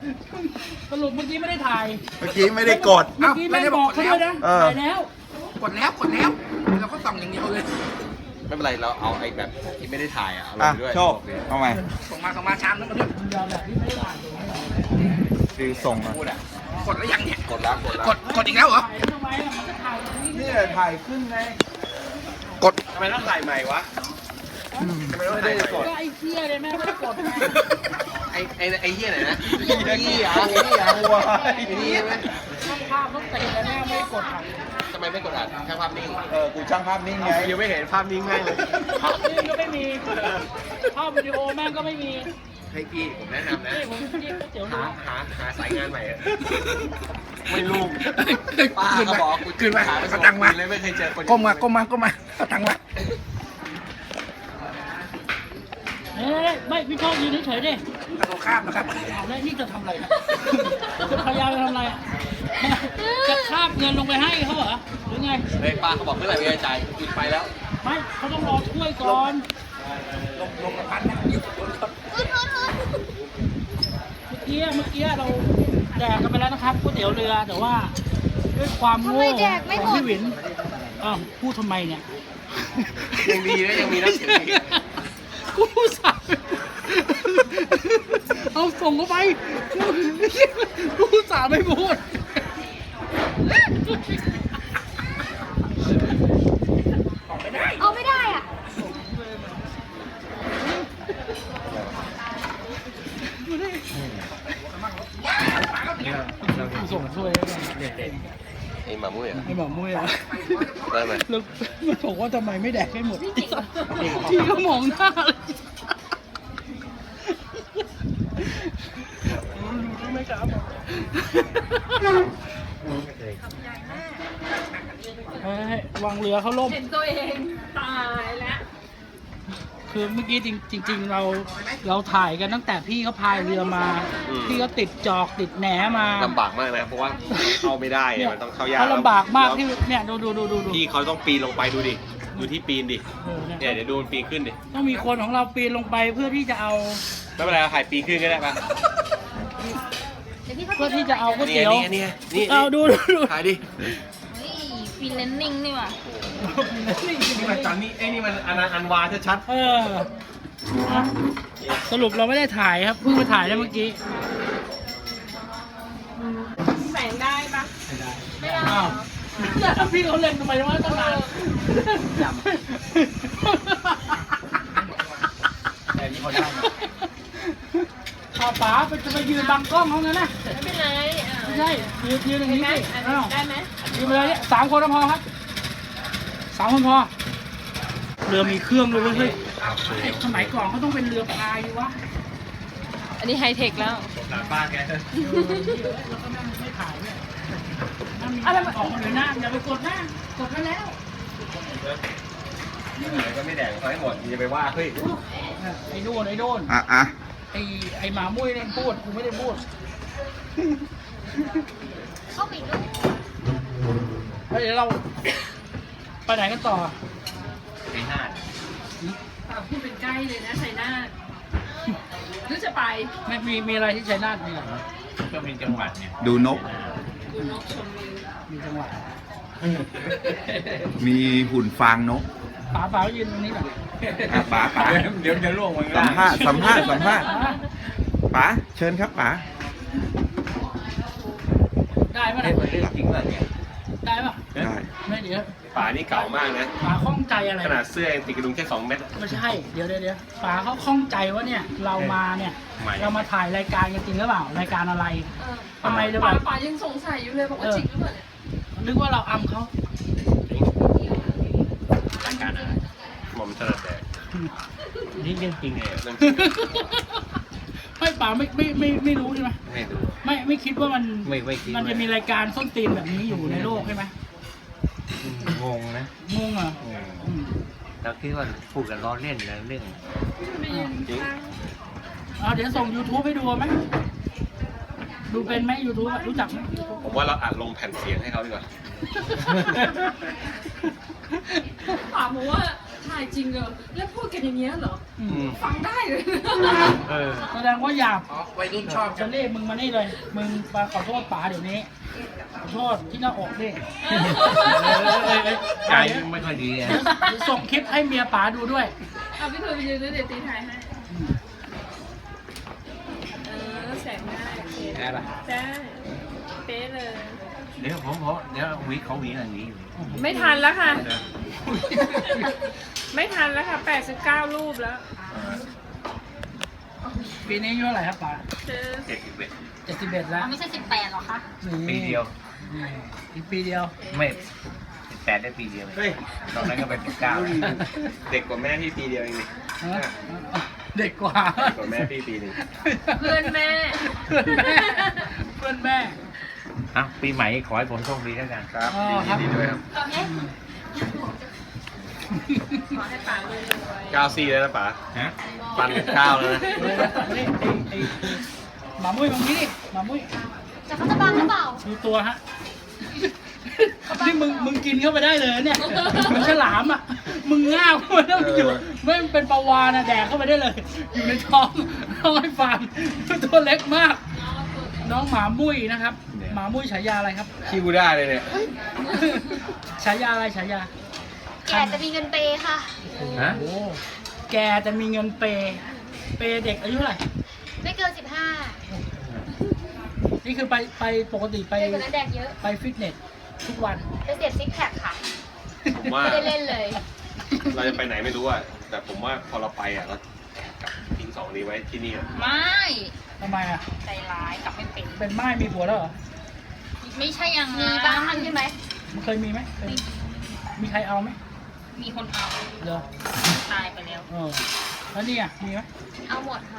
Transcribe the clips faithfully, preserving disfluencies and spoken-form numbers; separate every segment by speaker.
Speaker 1: สรุปเมื่อกี้ไม่ได้ถ่าย
Speaker 2: เมื่อกี้ไม่ได้กด
Speaker 1: เมื่อกี้ไม่ได้บอกเขาด้วยนะ
Speaker 2: เออ
Speaker 1: ถ่ายแล้ว
Speaker 3: กดแล้วกดแล้วเราก็ส่องอย่างเดียวเลย
Speaker 4: ไม่เป็นไรเราเอาไอ้แบบที่ไม่ได้ถ่ายอ่ะเอาล
Speaker 2: อ่ะ
Speaker 4: งด้วย
Speaker 2: โชคเอาใหม่
Speaker 3: ส่งมาส่งมาชามนึงมาด้วย
Speaker 1: ยอมแบบที่ไม่ได้ถ่าย
Speaker 2: คือส่งอ่ะ
Speaker 4: พูดอ่ะ
Speaker 3: กดแล้วยังเนี่ย
Speaker 4: กดแล้วกดแล้ว
Speaker 3: กดกดอีกแล้วเหรอ
Speaker 1: ถ่ายทำไมอ่ะมันก็ถ่ายอย่างนี้
Speaker 2: เนี่ยถ่ายขึ้นไง
Speaker 3: กด
Speaker 4: ทำไมต้องถ่ายใหม่วะทำไมต้องถ่ายใหม่
Speaker 1: ก็ไอ้เหี้ยเลยแม่ไม่ได้กดไง
Speaker 4: ไอ้ไอ้ไอ้เหี้ยไหนนะ
Speaker 2: เหี้ยเหี้ยเหี้ยวัว
Speaker 4: ไอ้นี่ใช่ไหม
Speaker 1: ช่างภาพต้องเตะเลยแม่ไม่ได้กดถ่าย
Speaker 4: ทำไมไม่กดอัดแค่ภาพนิ่ง
Speaker 2: เออ กูช่างภาพนิ่งไง
Speaker 4: ยังไม่เห็นภาพนิ่งให้เลย
Speaker 1: ภาพนิ่งก็ไม่มีภาพวิดีโอแม่งก็ไม่มี
Speaker 4: ให้พี่ผมแนะนำนะ
Speaker 1: นี่ผมเรียกก๋วยเตี๋ยว
Speaker 4: หา
Speaker 1: เรือ
Speaker 4: หาหาสายงานใหม่อะไม่รู้ ป้า
Speaker 3: ขึ้น
Speaker 4: ก็
Speaker 3: มา
Speaker 4: บอกกู
Speaker 3: ขึ้นมา
Speaker 4: หาไป
Speaker 3: เอาตังค์มา
Speaker 4: เลยไม่เคยเจอคน
Speaker 3: ก้มมาก้มมาก้มมาเอาตังค์มา
Speaker 1: เอ้ยไม่พี่ชอบยืนเฉยๆดิ
Speaker 3: กระโดดข้ามนะครับ
Speaker 1: เอาแล้วนี่จะทำอะไรนะจะพยายามจะทำอะไรอ่ะจะคาบเงินลงไปให้เขาเหรอหรือไง
Speaker 4: เฮ้ยป้าเขาบอกเมื่อไหร่ไม่ได้จ่ายปิดไปแล้ว
Speaker 1: ไม่เขาต้องรอถ้วยก่อน
Speaker 3: ลงลงกับพันนะอยู่บนรถ
Speaker 1: เมื่อกี้เมื่อกี้เราแดกกันไปแล้วนะครับก๋วยเตี๋ยวเรือแต่ว่าด้วยความโง่
Speaker 5: ทำไมแดกไม่
Speaker 1: ของ
Speaker 5: หมด
Speaker 1: พี่หวินอ้าวพูดทำไมเนี่ย
Speaker 4: ยังดีนะยังมีน้ำเสียงอีก
Speaker 1: กูสั่งเอาส่งเข้าไปกูสั่งไม่พูด
Speaker 5: เอาไม่ได้อ่ะ
Speaker 1: กูส่งช่วย
Speaker 4: ไอ้หมามุ้ยอ่ะ
Speaker 1: ไอ้หมอมุ้ยอ่ะ
Speaker 4: ได้ไหม
Speaker 1: แล้วมันบอกว่าทำไมไม่แดกให้หมดที่ก็มองหน้าเลยไม่กล้าบอกเฮ้ยวางเรือเขาล่ม
Speaker 5: เห็นตัวเองตายแล้ว
Speaker 1: คือเมื่อกี้จริงจริง ๆ เราเราถ่ายกันตั้งแต่พี่เขาพายเรือมา พี่เขาติดจอกติดแหนมา
Speaker 4: ลำบากมากนะเพราะว่าเข้าไม่ได้
Speaker 1: เนี่ย
Speaker 4: มันต้องเข้ายาก
Speaker 1: เขาลำบากมาก
Speaker 4: แล้ว
Speaker 1: ที่เนี่ยดูดูดูดูดู
Speaker 4: พี่เขาต้องปีนลงไปดูดิดูที่ปีนดิ
Speaker 1: เออเนี่ย
Speaker 4: เนี่ยเดี๋ยวดูมันปีนขึ้นดิ
Speaker 1: ต้องมีคนของเราปีนลงไปเพื่อที่จะเอา
Speaker 4: ไม่เป็นไรเราถ่ายปีนขึ้นก็ได้ปะ
Speaker 5: เดี๋ยวพี่เขา
Speaker 1: เพื่อที่จะเอาก๋วย
Speaker 4: นี่
Speaker 1: เตี๋ยว
Speaker 4: ไงนี่ไงนี่
Speaker 1: เอาดูดูดู
Speaker 4: ถ่ายดิ
Speaker 5: เฮ้ยฟีเลนนิ่งนี่ว่ะ
Speaker 4: นี่มันตอนนี้ไอ้นี่มันอนันต์อันวาชัด
Speaker 1: เอออ่ะสรุปเราไม่ได้ถ่ายครับเพิ่งมาถ่ายได้เมื่อกี้
Speaker 5: แสงได้ปะไม่ได้
Speaker 1: อ้าวแล้วพี่เขาเล่นทำไมวะตั้งนาน
Speaker 4: แต่นี่เขาได้
Speaker 1: ป๋าป๋าไปจะไปยืนบังกล้องเขางั้นนะ
Speaker 5: ไม่เป็นไรอ่ะ
Speaker 1: ไม่ใช่ยืนยืนอย่าง
Speaker 5: ได้
Speaker 1: นี้
Speaker 5: ไหม
Speaker 1: สิ
Speaker 5: อัน
Speaker 1: อ้าว
Speaker 5: ได้ไหม
Speaker 1: ยืนไปเลยเนี่ยสามคนก็พอครับสามคนพอเรือมีเครื่องด้วยเว้ยเฮ้ยไอ้สมัยก่อนเขาต้องเป็นเรือพายวะ
Speaker 5: อันนี้ไฮเทคแล้ว
Speaker 4: สงสารป้าแก
Speaker 1: เออแล้วก็นั่งไม่ถ่ายเนี่ยนั่งมีออกมาเลยหน้าอย่าไปกดหน้ากดไปแล้ว
Speaker 4: ก็ไม่แดงเขาให้หมดอย่าไปว่าเฮ้ย
Speaker 1: ไอ้โดนไอ้โดน
Speaker 2: อ่ะอ่ะ
Speaker 1: ไอ้ไอ้หมามุ้ยเนี่ยพูดกูไม่ได้พูด
Speaker 5: เข้าไปดู
Speaker 1: แล้วเดี๋ยวเราไปไหนกันต่อ
Speaker 4: ปีห้า
Speaker 5: ปากพูดเป็นใกล้เลยนะชัยนาทหรือจะไป
Speaker 1: ไม่มีมีอะไรที่ชัยนาทมีเหรอ
Speaker 4: ก็เป็นจังหวัดเนี่ย
Speaker 2: ดูนก
Speaker 5: ดูนกชมวิว
Speaker 1: มีจังหวัด
Speaker 2: มีหุ่นฟางนก
Speaker 1: ป๋าป๋ายืนตรงนี้ก่อน
Speaker 2: อ่ะป๋าป๋า
Speaker 4: เดี๋ยวจะล่วงมัน
Speaker 2: สัมภาษณ์สัมภาษณ์สัมภาษณ์
Speaker 1: ป๋า
Speaker 2: ป๋าเชิญครับป๋า
Speaker 1: ได้ปะ
Speaker 4: เฮ้ย
Speaker 1: เนี่ย
Speaker 4: มันเรื่องจริงป่ะเนี่ย
Speaker 1: ได้ปะ
Speaker 2: ได้
Speaker 1: ไม่เดี๋ยว
Speaker 4: ป่านี่เก่ามากนะ
Speaker 1: ป๋าข้องใจอะไร
Speaker 4: ขนาดเสื้อยังติดกระดุมแค่สองเม็ด
Speaker 1: ไม่ใช่เดี๋ยวเดี๋ยวเดี๋ยวป๋าเขาข้องใจว่าเนี่ย เรามาเนี่ย
Speaker 4: ทำไม
Speaker 1: เรามาถ่ายรายการกันจริงหรือเปล่ารายการอะไร
Speaker 5: เออ
Speaker 1: ทำไมจะแบ
Speaker 5: ป๋า
Speaker 1: บ
Speaker 5: ป๋ายังสงสัยอยู่เลยบอกว่าจริงหรือเปล่าเนี่ย
Speaker 1: นึกว่าเราอำเขา
Speaker 4: รายการอะไรหม่อมถนัดแดก
Speaker 1: นี่เรื่องจริง
Speaker 4: เนี่ยเรื่องจริง
Speaker 1: ไม่ป๋าไม่ไม่ไม่ไม่รู้ใช่ไหม
Speaker 4: ไม่ดู
Speaker 1: ไม่ไม่คิดว่ามัน
Speaker 4: ไม่ไม่คิด
Speaker 1: มันจะมีรายการส้นตีนแบบนี้อยู่ในโลกใช่ไหม
Speaker 6: งงนะ
Speaker 1: งงเหรออืม
Speaker 6: เราคิดว่าพูดกันล้อเล่นนะเรื่อง
Speaker 5: ไม่ยังตั้ง
Speaker 1: เอาเดี๋ยวส่ง YouTube ให้ดูไหมดูเป็นไหม YouTube อะรู้จักไหม
Speaker 4: ผมว่าเราอัดลงแผ่นเสียงให้เขาดีกว่า
Speaker 5: ป๋าบอกว่าถ่ายจริงเหรอแล้วพูดกันอย่างเงี้ยเหรอ
Speaker 1: อืม
Speaker 5: ฟังได้เลย
Speaker 6: เออ
Speaker 1: แสดงว่าหยาบ
Speaker 3: อ๋อวัยรุ่นชอบ
Speaker 1: จะเรียกมึงมานี่เลย มึงมาขอโทษป๋าเดี๋ยวนี้ ขอโทษที่หน้าอกดิ
Speaker 6: เออเออเออใจมันไม่ค่อยดีอ่ะ
Speaker 1: เดี๋ยวส่งคลิปให้เมียป๋าดูด้วย
Speaker 5: เอาพี่เธอไปยืนด้วยเดี๋ยวตีถ่ายให้เออแสงได้โอเค
Speaker 6: ได้ปะ
Speaker 5: ได้เป๊ะเลย
Speaker 6: เดี๋ยวผมผมเดี๋ยววิเขาหวีอันนี้อยู่
Speaker 5: ไม่ทันแล้วค่ะ ไม่ทันแล้วค่ะแปดสิบเก้ารูปแล้ว
Speaker 1: ปีนี้อายุเท่าไหร่ครับป๋า
Speaker 5: เจอ
Speaker 6: เจ็ดสิบเอ็ด
Speaker 1: เจ็ดสิบเอ็ดแล้ว
Speaker 5: ไม่ใช่สิบแปดหรอคะ
Speaker 6: ปีเดียว
Speaker 1: นี่อีกปีเดียว
Speaker 6: ไม่สิบแปดได้ปีเดียวเลยตอนนั้นก็เป็นสิบเก้า
Speaker 4: เด็กกว่าแม่พี่ปีเดียวเองนี่
Speaker 1: ฮะเด็กกว่า
Speaker 4: เด็กกว่าแม่พี่ปีหนึง
Speaker 5: เพื่อนแม่
Speaker 1: เพื่อนแม่ เพื่อนแม่
Speaker 6: อ่ะปีใหม่ขอให้ผมโชคดีแล้วกัน
Speaker 4: ครับ
Speaker 1: อ๋อครับ
Speaker 4: ยินดีด้วยครับ
Speaker 5: ขอให้ป่าเลยรวย
Speaker 4: เก้าสี่แล้วนะป๋า
Speaker 6: ฮะ
Speaker 4: ปันข้าวแล้วนะ
Speaker 1: นี่ไอ้ไอ้หมามุ้ยตรงนี้ดิหมามุ้ย
Speaker 5: จะเขาจะบังหรือเปล่า
Speaker 1: ดูตัวฮะ นี่มึงมึงกินเข้าไปได้เลยเนี่ยมึงฉลามอ่ะ มึงง่าวมันต้องอยู่ไม่งเป็นปลาวาฬนะแดกเข้าไปได้เลย อยู่ในท้องท้องไอ้ฟาร์มตัวเล็กมาก น้องหมามุ้ยนะครับ หมามุ้ยฉายาอะไรครับ
Speaker 4: คิวได้เลยเนี่ย
Speaker 1: ฉายาอะไรฉายา
Speaker 5: แกจะมีเงินเปย์ค่ะ
Speaker 6: ฮะ
Speaker 1: โอ้แกจะมีเงินเปย์เปย์เด็กอายุเท่าไหร่
Speaker 5: ไม่เกินสิบห้า
Speaker 1: นี่คือไปไปปกติไป
Speaker 5: เด็กคนนั้นแดกเยอะ
Speaker 1: ไปฟิตเนสทุกวัน
Speaker 5: ไปเสียบซิกแพคค่ะ
Speaker 4: ผมว่า
Speaker 5: ไม่ได้เล่นเลย
Speaker 4: เราจะไปไหนไม่รู้อ่ะ แต่ผมว่าพอเราไปอ่ะเรากลับทิ้งสองนี้ไว้ที่นี่อะ
Speaker 5: ไม่
Speaker 1: ทำไมอ่ะ
Speaker 5: ใจร้ายกลับไม่เป็น
Speaker 1: เป็นไม้มีผัวแล้วเหรอ
Speaker 5: ไม่ใช่อย่างนั้นมีบ้างใช่ไหม
Speaker 1: มันเคยมีไหมเคยมีใครเอาไหม
Speaker 5: มีคนเอา
Speaker 1: เหรอ
Speaker 5: ตายไปแล้ว
Speaker 1: เออแล้วนี่อ่ะมีไหม
Speaker 5: เอาหมดค่ะ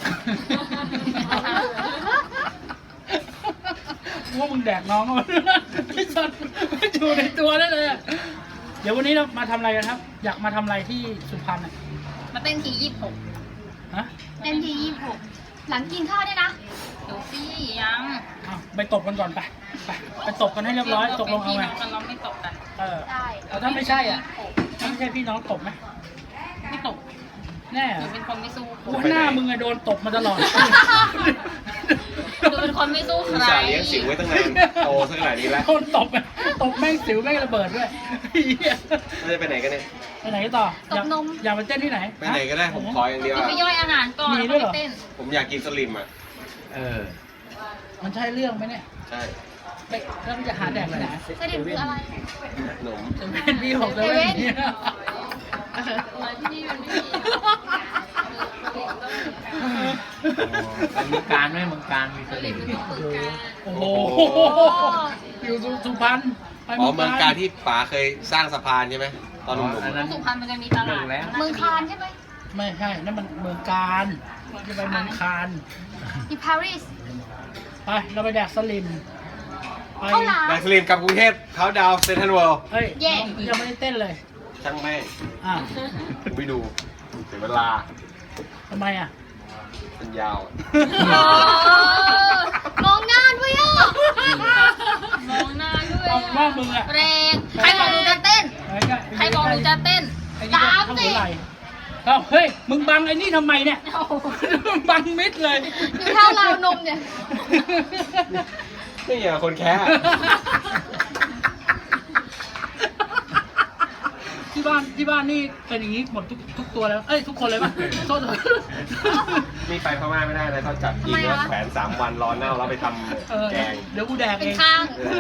Speaker 1: ว่ามึงแดกน้องเขาไอ้สัตว์ไม่อยู่ในตัวได้เลยอะเดี๋ยววันนี้เรามาทำอะไรกันครับ อยากมาทำอะไรที่สุพรรณอ่ะ
Speaker 5: มาเต้นทียี่สิบหก
Speaker 1: ฮะ
Speaker 5: เต้นทียี่สิบหกหลังกินข้าวได้นะเดี๋ยวสิยัง
Speaker 1: อ้าวไปตบกันก่อนไปไปไปตบกันให้เรียบร้อยตกลงเอาไง
Speaker 5: กันเราไม่ตกกัน
Speaker 1: เออ
Speaker 5: ได้
Speaker 1: แล้วถ้าไม่ใช่อ่ะถ้าไม่ใช่พี่น้องตบไหม
Speaker 5: ไม่ตก
Speaker 1: แน่
Speaker 5: ห
Speaker 1: เหร
Speaker 5: นู
Speaker 1: อ
Speaker 5: เป็นคนไม่สู้
Speaker 1: กูหน้ามึงอะโดนตบมาตลอด
Speaker 5: หนูเป็นคนไม่สู้ใค
Speaker 4: อุต
Speaker 5: ร
Speaker 4: ส่าห์เลี้ยงสิวไว้ตั้งนานโตซะขนาดนี้แล้ว
Speaker 1: โดนตบอะตบแม่งสิวแม่งระเบิดด้วยเหี้ย
Speaker 4: เราจะไปไหนกันเนี่ย
Speaker 1: ไปไหนต่ออยากอยากไปเต้นที่ไหน
Speaker 4: ไปไหนก็ได้ผมขออย่างเดียว
Speaker 5: จะ
Speaker 4: อะ
Speaker 5: ไปย่อยอาหารก่อน
Speaker 1: มี
Speaker 5: แล้ว
Speaker 1: ด้วยเหร
Speaker 5: ก็
Speaker 1: อ
Speaker 5: ไปเต้น
Speaker 4: ผมอยากกินสลิมอ่ะ
Speaker 6: เออ
Speaker 1: มันใช่เรื่องไหมเนี่ย
Speaker 4: ใช่
Speaker 1: ไปแล้วมันจะหาแดกไปไหน
Speaker 5: เสด็จคืออะไร
Speaker 4: ขนม
Speaker 1: จะเป็นพี่หกจะเป็นเนี่ย
Speaker 5: ที่นี่มันไม่มี
Speaker 6: เป็นเมืองการไหมเมืองการมีสลิม
Speaker 1: โอ้โหอยู่สุพรรณไป
Speaker 4: อ๋อเมืองการที่ป๋าเคยสร้างสะพานใช่ไหมตอนหนุ่ม
Speaker 6: อันนั้น
Speaker 5: สุพรรณมันจะมีตลาด
Speaker 6: แล้ว
Speaker 5: เมืองคานใช่ไหม
Speaker 1: ไม่ใช่นั่นมันเมืองการจะไปเมืองคาน
Speaker 5: ที่ปารีส
Speaker 1: ไปเราไปแดกสลิมไป
Speaker 5: ข้าวหลาม
Speaker 4: ๆแบงสลิมกับกรุงเทพเขาดาวเซนทรัลเวิลด์
Speaker 1: เฮ้ย
Speaker 5: แย่
Speaker 1: น้องยังไม่ได้เต้นเลย
Speaker 4: ช่างแม่ง
Speaker 1: อ่ะ
Speaker 4: ผมไปดูเสียเวลา
Speaker 1: ทำไมอ่ะ
Speaker 4: มันยาว
Speaker 5: มองหน้าด้วยอ่ะมองหน้าด้วย
Speaker 1: เอาว่ามึงอ่ะ
Speaker 5: แรงใครบอกหนูจะเต้น ใครบอกหนูจะเต้น
Speaker 1: ไอ้นี่
Speaker 5: ตาม
Speaker 1: ก็
Speaker 5: สิ
Speaker 1: เท่าไหร่เอ้าเฮ้ยมึงบังไอ้นี่ทำไมเนี่ยมึงบังมิดเลย
Speaker 5: อยู่เท่าราวนมเนี่ย
Speaker 4: นี่อ่ะคนแค่
Speaker 1: ที่บ้านที่บ้านนี่เป็นอย่างนี้หมดทุกทุกตัวแล้ว เอ้ยทุกคนเลยป่ะโทษ
Speaker 4: นี่ไปพม่าไม่ได้เลยเขาจับยิงแล้วแขวนสามวันรอเน่าแล้วไปท
Speaker 1: เออ
Speaker 4: ำแกง
Speaker 1: เดี๋ยวกูแดก
Speaker 5: เป็
Speaker 1: เอน ง
Speaker 5: ข้าง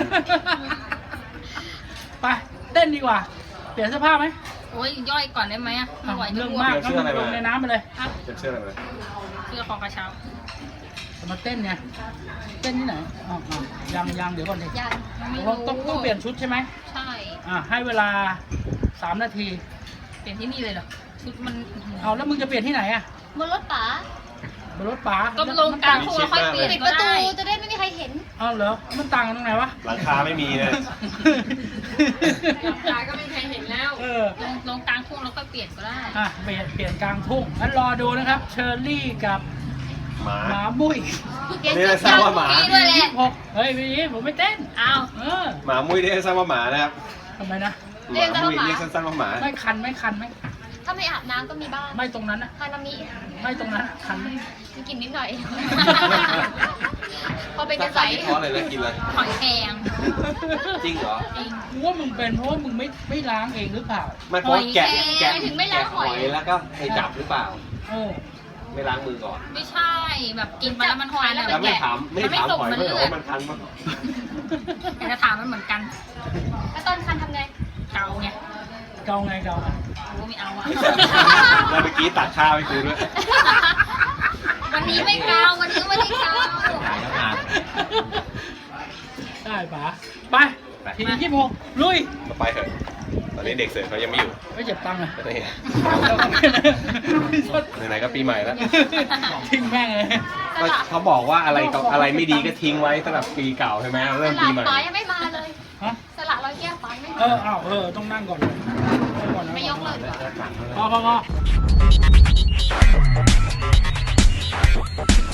Speaker 1: ไปเต้นดีกว่า เปลี่ยนเสื้อผ้าไหม
Speaker 5: โอ้ยย่อยก่อนได้ไหมอ่ะไม่ไหวจะ
Speaker 1: เรื่อง
Speaker 5: อ้ว
Speaker 1: มาก
Speaker 5: น
Speaker 1: ก็มึงลงในน้ำไปเลย
Speaker 5: อ่ะ
Speaker 4: จะเชื่ออะไรไหม
Speaker 5: เสื้อคอกระเช้า
Speaker 1: จะมาเต้นเนี่ยเต้นที่ไหนอ๋ออ๋อยังยังเดี๋ยวก่อนดิ
Speaker 5: ยังไม่
Speaker 1: ต้อง
Speaker 5: รู้
Speaker 1: ต้องต้องเปลี่ยนชุดใช่ไหม
Speaker 5: ใช่
Speaker 1: อ่าให้เวลาสามนาที
Speaker 5: เปลี่ยนที่นี่เลยเหรอ ชุดมัน
Speaker 1: เอาแล้วมึงจะเปลี่ยนที่ไหนอ่ะ
Speaker 5: บนรถป๋า
Speaker 1: บนรถป๋า
Speaker 5: ก็ลงกลางทุ่งแล้วค่อยเปลี่ยนปิดประตูจะได้ไม่มีใครเห็น
Speaker 1: เอาเหรอมันต่างกันตรงไหนวะ
Speaker 4: หลังคาไม่มีนะ
Speaker 5: ตาก็ไม่มีใครเห็นแล้ว
Speaker 1: เออ
Speaker 5: ลงลงกลางทุ่งแล้วค่อยเปลี่ยนก็ได้
Speaker 1: อ่ะเปลี่ยนเปลี่ยนกลางทุ่งงั้นรอดูนะครับ เชอร์รี่กับ
Speaker 4: หมา
Speaker 1: หมามุ้ย
Speaker 5: เปลี่ยน
Speaker 4: นี่
Speaker 5: เสื้อ
Speaker 4: ทราบว่าหมา
Speaker 5: พี่ด้วยแหละ
Speaker 1: หกเฮ้ยพี่ผมไม่เต้น
Speaker 5: อ้าว
Speaker 1: เออ
Speaker 4: หมามุ้ยได้ทราบว่าหมานะครับ
Speaker 1: ทำไมนะ
Speaker 4: หมามุ้ยเรียกสั้นๆว่าหมา
Speaker 1: ไม่คันไม่คันไหม
Speaker 7: ถ้าไม่อาบน้ำก็มีบ้าง
Speaker 1: ไม่ตรงนั้นอะ
Speaker 7: ฮานามิ
Speaker 1: ไม่ตรงนั้นอะคัน
Speaker 7: มีกลิ่นนิดหน่อย พอเป็นกระใส
Speaker 4: เพราะอะไรนะกินอะไร
Speaker 7: หอยแครง
Speaker 4: จริงเหรอ
Speaker 7: จริง
Speaker 1: กูว่ามึงเป็นเพราะว่ามึงไม่ไม่ล้างเองหรือเปล่า
Speaker 4: ไม่เพราะแกะ
Speaker 7: หอยแครง
Speaker 4: แกะ
Speaker 7: ถึงไม่ล้างหอย
Speaker 4: แกะแล้วก็ไปจับหรือเปล่า
Speaker 1: เออ
Speaker 4: ไม่ล้างมือก่อน
Speaker 7: ไม่ใช่แบบกินไปแล้วมันคัน
Speaker 4: แล้วไม่ถามไม่ถามหอยไม่เหรอว่ามันคันมั้ง
Speaker 7: แต่จะถามมันเหมือนกัน แล้วตอนคันทำไงเกาไง
Speaker 1: เกาไงเกาไง
Speaker 7: กูไม่เอาอะ
Speaker 4: แล้วเมื่อกี้ตักข้าวให้กูด้วย
Speaker 7: วันนี้ไม่เกาวันนี้ไม่ได้เกา
Speaker 6: ถ่ายแล้วงาน
Speaker 1: ได้ป๋าไปทียี่สิบหกลุย
Speaker 4: ก็ไปเถอะ ตอนนี้เด็กเสิร์ฟเขายังไม่อยู่
Speaker 1: ไม่เจ็บตังค์อะ
Speaker 4: นี่
Speaker 1: ไห
Speaker 4: ไหนๆก็ปีใหม่แล้ว
Speaker 1: ทิ้งแม่งเลย
Speaker 4: ก็เขาบอกว่าอะไรกับอะไรไม่ดีก็ทิ้งไว้สำหรับปีเก่าใช่ไหม
Speaker 7: ส
Speaker 4: เริ่ม
Speaker 7: ลั
Speaker 4: ปี
Speaker 7: ด
Speaker 4: ใหม่
Speaker 7: ป้ายังไม่มาเลย
Speaker 1: ฮะ
Speaker 7: สละร้อยแก้วป้าไม่
Speaker 1: เอ
Speaker 7: มา
Speaker 1: ออ้าวเออต้องนั่งก่อนเลยนั่งก่อนนะ
Speaker 7: ไม่ยกเลยดีกว่า
Speaker 1: พอพอพอ